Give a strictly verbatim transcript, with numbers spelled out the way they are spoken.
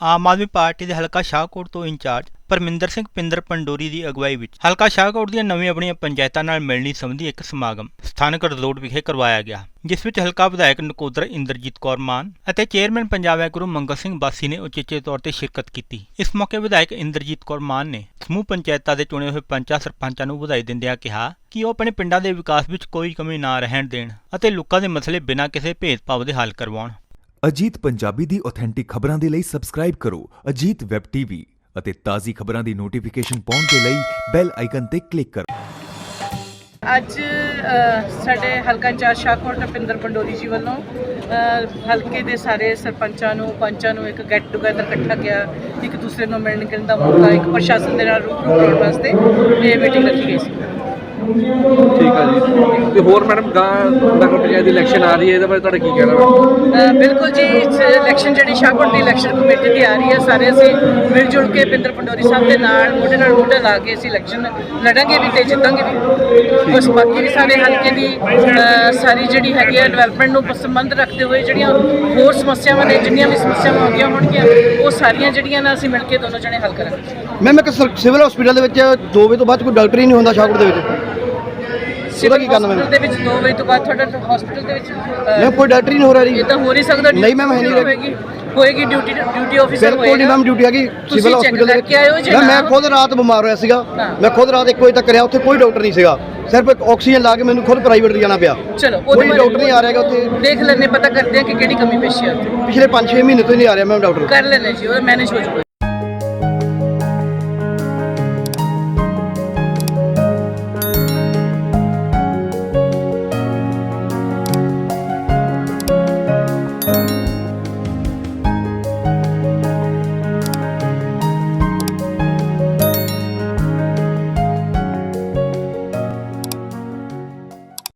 ਆਮ ਆਦਮੀ party ਦੇ ਹਲਕਾ ਸ਼ਾਹਕੋਟ ਤੋਂ ਇੰਚਾਰਜ ਪਰਮਿੰਦਰ ਸਿੰਘ ਪਿੰਦਰ ਪੰਡੋਰੀ ਦੀ ਅਗਵਾਈ ਵਿੱਚ ਹਲਕਾ ਸ਼ਾਹਕੋਟ ਦੀਆਂ ਨਵੀਆਂ ਆਪਣੀਆਂ ਪੰਚਾਇਤਾਂ ਨਾਲ ਮਿਲਣੀ ਸੰਬੰਧੀ ਇੱਕ ਸਮਾਗਮ ਸਥਾਨਕ ਰਜੋਟ ਵਿਖੇ ਕਰਵਾਇਆ ਗਿਆ, ਜਿਸ ਵਿੱਚ ਹਲਕਾ ਵਿਧਾਇਕ ਨਕੋਦਰ ਇੰਦਰਜੀਤ ਕੌਰ ਮਾਨ ਅਤੇ ਚੇਅਰਮੈਨ ਪੰਜਾਬ ਐਗਰੋ ਮੰਗਲ ਸਿੰਘ ਬਾਸੀ ਨੇ ਉਚੇਚੇ ਤੌਰ ਤੇ ਸ਼ਿਰਕਤ ਕੀਤੀ। ਇਸ ਮੌਕੇ ਵਿਧਾਇਕ ਇੰਦਰਜੀਤ ਕੌਰ ਮਾਨ ਨੇ ਸਮੂਹ ਪੰਚਾਇਤਾਂ ਦੇ ਚੁਣੇ ਹੋਏ ਪੰਚਾਂ ਸਰਪੰਚਾਂ ਨੂੰ ਵਧਾਈ ਦਿੰਦਿਆਂ ਕਿਹਾ ਕਿ ਉਹ ਆਪਣੇ ਪਿੰਡਾਂ ਦੇ ਵਿਕਾਸ ਵਿੱਚ ਕੋਈ ਕਮੀ ਨਾ ਰਹਿਣ ਦੇਣ ਅਤੇ ਲੋਕਾਂ ਦੇ ਮਸਲੇ ਬਿਨਾਂ ਕਿਸੇ ਭੇਦਭਾਵ ਦੇ ਹੱਲ ਕਰਵਾਉਣ। ਅਜੀਤ ਪੰਜਾਬੀ ਦੀ ਆਥੈਂਟਿਕ ਖਬਰਾਂ ਦੇ ਲਈ ਸਬਸਕ੍ਰਾਈਬ ਕਰੋ ਅਜੀਤ ਵੈਬ ਟੀਵੀ ਅਤੇ ਤਾਜ਼ੀ ਖਬਰਾਂ ਦੀ ਨੋਟੀਫਿਕੇਸ਼ਨ ਪਾਉਣ ਦੇ ਲਈ ਬੈਲ ਆਈਕਨ ਤੇ ਕਲਿੱਕ ਕਰੋ। ਅੱਜ ਸਾਡੇ ਹਲਕਾ ਇੰਚਾਰਜ ਸ਼ਾਹਕੋਟ ਪਿੰਦਰ ਪੰਡੋਰੀ ਜੀ ਵੱਲੋਂ ਹਲਕੇ ਦੇ ਸਾਰੇ ਸਰਪੰਚਾਂ ਨੂੰ ਪੰਚਾਂ ਨੂੰ ਇੱਕ ਗੈਟ ਟੂਗੇਦਰ ਇਕੱਠਾ ਗਿਆ, ਇੱਕ ਦੂਸਰੇ ਨੂੰ ਮਿਲਣ ਗਿਲਣ ਦਾ ਮੌਕਾ, ਇੱਕ ਪ੍ਰਸ਼ਾਸਨ ਦੇ ਨਾਲ ਰੂਬਰੂ ਕਰਾਉਣ ਵਾਸਤੇ ਇਹ ਮੀਟਿੰਗ ਰੱਖੀ ਗਈ ਸੀ। ਠੀਕ ਆ ਜੀ, ਤੇ ਹੋਰ ਮੈਡਮ ਗਾਂ ਨਗਰ ਪੰਚਾਇਤ ਦੀ ਇਲੈਕਸ਼ਨ ਆ ਰਹੀ ਹੈ, ਇਹਦੇ ਬਾਰੇ ਤੁਹਾਡਾ ਕੀ ਕਹਿਣਾ? ਬਿਲਕੁਲ ਜੀ, ਇਲੈਕਸ਼ਨ ਜਿਹੜੀ ਸ਼ਾਹਕੋਟ ਦੀ ਇਲੈਕਸ਼ਨ ਕਮੇਟੀ ਦੀ ਆ ਰਹੀ ਹੈ, ਸਾਰੇ ਅਸੀਂ ਮਿਲ ਜੁਲ ਕੇ ਪਿੰਦਰ ਪੰਡੋਰੀ ਸਾਹਿਬ ਦੇ ਨਾਲ ਮੋਢੇ ਨਾਲ ਮੋਢਾ ਲਾ ਕੇ ਅਸੀਂ ਇਲੈਕਸ਼ਨ ਲੜਾਂਗੇ ਵੀ ਤੇ ਜਿੱਤਾਂਗੇ ਵੀ। ਉਸ ਬਾਕੀ ਵੀ ਸਾਰੇ ਹਲਕੇ ਦੀ ਸਾਰੀ ਜਿਹੜੀ ਹੈਗੀ ਹੈ ਡਿਵੈਲਪਮੈਂਟ ਨੂੰ ਸੰਬੰਧ ਰੱਖਦੇ ਹੋਏ ਜਿਹੜੀਆਂ ਹੋਰ ਸਮੱਸਿਆਵਾਂ ਨੇ, ਜਿੰਨੀਆਂ ਵੀ ਸਮੱਸਿਆਵਾਂ ਆਉਂਦੀਆਂ ਹੋਣਗੀਆਂ ਉਹ ਸਾਰੀਆਂ ਜਿਹੜੀਆਂ ਨਾ ਅਸੀਂ ਮਿਲ ਕੇ ਦੋਨੋਂ ਜਣੇ ਹੱਲ ਕਰਾਂਗੇ। ਮੈਮ ਇੱਕ ਸਿਵਲ ਹਸਪੀਟਲ ਦੇ ਵਿੱਚ ਦੋ ਵਜੇ ਤੋਂ ਬਾਅਦ ਕੋਈ ਡਾਕਟਰ ਹੀ ਨਹੀਂ ਹੁੰਦਾ ਸ਼ਾਹਕੋਟ ਦੇ ਵਿੱਚ, ਸਿਵਲ ਹਸਪੀਟਲ ਦੇ ਵਿੱਚ ਦੋ ਵਜੇ ਤੋਂ ਬਾਅਦ ਤੁਹਾਡਾ ਹਸਪੀਟਲ ਦੇ ਵਿੱਚ ਮੈਂ ਕੋਈ ਡਾਕਟਰ ਹੀ ਨਹੀਂ ਹੋ ਰਿਹਾ ਜੀ। ਇਹ ਤਾਂ ਹੋ ਨਹੀਂ ਸਕਦਾ। ਨਹੀਂ ਮੈਮ ਹੈ ਨਹੀਂ ਹੋਏਗੀ ਹੋਏਗੀ ਡਿਊਟੀ ਡਿਊਟੀ ਆਫੀਸਰ ਹੋਏਗਾ। ਬਿਲਕੁਲ ਨਹੀਂ ਮੈਮ, ਡਿਊਟੀ ਹੈਗੀ ਸਿਵਲ ਹਸਪੀਟਲ ਦੇ ਵਿੱਚ। ਮੈਂ ਖੁਦ ਰਾਤ ਬਿਮਾਰ ਹੋਇਆ ਸੀਗਾ, ਮੈਂ ਖੁਦ ਰਾਤ ਇੱਕ ਵਜੇ ਤੱਕ ਰਿਹਾ, ਉੱਥੇ ਕੋਈ ਡਾਕਟਰ ਨਹੀਂ ਸੀਗਾ, ਸਿਰਫ ਇੱਕ ਆਕਸੀਜਨ ਲਾ ਕੇ ਮੈਨੂੰ ਖੁਦ ਪ੍ਰਾਈਵੇਟ ਜਾਣਾ ਪਿਆ। ਚਲੋ ਕੋਈ ਡਾਕਟਰ ਨਹੀਂ ਆ ਰਿਹਾ ਉੱਥੇ, ਦੇਖ ਲੈਣੇ, ਪਤਾ ਕਰਦੇ ਆ ਕਿ ਕਿਹੜੀ ਕਮੀ ਪੇਸ਼ੀ ਆ। ਪਿਛਲੇ ਪੰਜ ਛੇ ਮਹੀਨੇ ਤੋਂ ਹੀ ਨਹੀਂ ਆ ਰਿਹਾ ਮੈਮ ਡਾਕਟਰ। ਕਰ ਲੈਣੇ ਜੀ, ਉਹ ਮੈਨੇਜ ਹੋ ਜਾਊਗਾ।